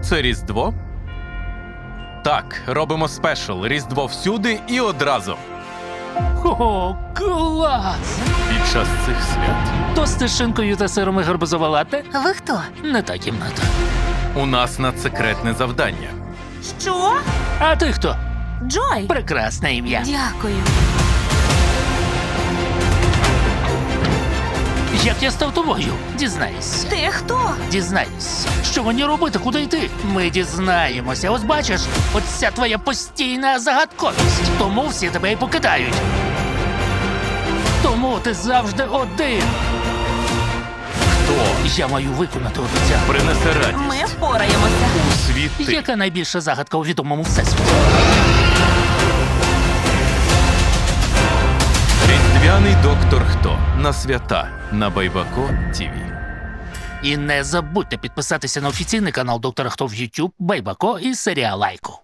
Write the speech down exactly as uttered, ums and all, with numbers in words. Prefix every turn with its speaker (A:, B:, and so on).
A: Це Різдво? Так, робимо спешл. Різдво всюди і одразу.
B: О, клас!
A: Під час цих свят.
B: Тости з шинкою та сиром і гарбузова латте?
C: Ви хто?
B: Не та кімната.
A: У нас надсекретне завдання.
C: Що?
B: А ти хто?
C: Джой?
B: Прекрасне ім'я.
C: Дякую.
B: Як я став тобою? Дізнайся.
C: Ти хто?
B: Дізнайся. Що мені робити? Куди йти? Ми дізнаємося. Ось бачиш, оця твоя постійна загадковість. Тому всі тебе і покидають. Тому ти завжди один.
A: Хто
B: Я маю виконати обіцянку.
A: принесе радість
C: Ми впораємося.
A: у світ ти?
B: Яка найбільша загадка у відомому всесвіті?
A: Різдвяний доктор Хто на свята на Байбако ТІВІ.
B: І не забудьте підписатися на офіційний канал Доктора Хто в YouTube, Байбако і Серіалайку.